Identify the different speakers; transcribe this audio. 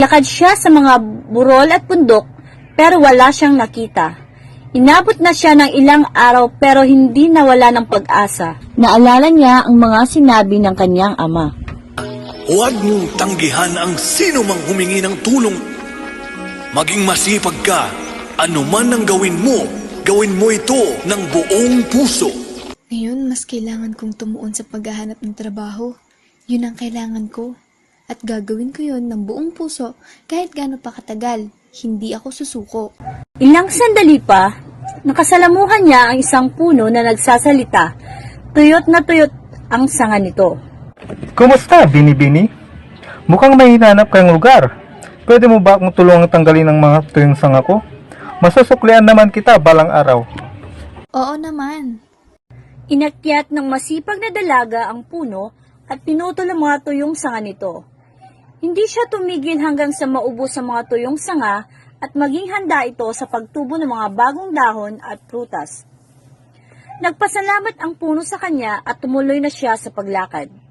Speaker 1: Lakad siya sa mga burol at bundok pero wala siyang nakita. Inabot na siya ng ilang araw pero hindi nawala ng pag-asa. Naalala niya ang mga sinabi ng kanyang ama.
Speaker 2: Huwag mong tanggihan ang sino mang humingi ng tulong. Maging masipag ka. Ano man ang gawin mo ito ng buong puso.
Speaker 3: Ngayon, mas kailangan kong tumuon sa paghahanap ng trabaho. Yun ang kailangan ko. At gagawin ko yun ng buong puso kahit gaano pa katagal. Hindi ako susuko.
Speaker 1: Ilang sandali pa, nakasalamuhan niya ang isang puno na nagsasalita. Tuyot na tuyot ang sanga nito.
Speaker 4: Kumusta, Bini-Bini? Mukhang may hinanap kayong lugar. Pwede mo ba akong tulungang tanggalin ang mga tuyong sanga ko? Masusuklian naman kita balang araw.
Speaker 3: Oo naman.
Speaker 1: Inakyat ng masipag na dalaga ang puno at pinutol ang mga tuyong sanga nito. Hindi siya tumigil hanggang sa maubos ang mga tuyong sanga at maging handa ito sa pagtubo ng mga bagong dahon at prutas. Nagpasalamat ang puno sa kanya at tumuloy na siya sa paglakad.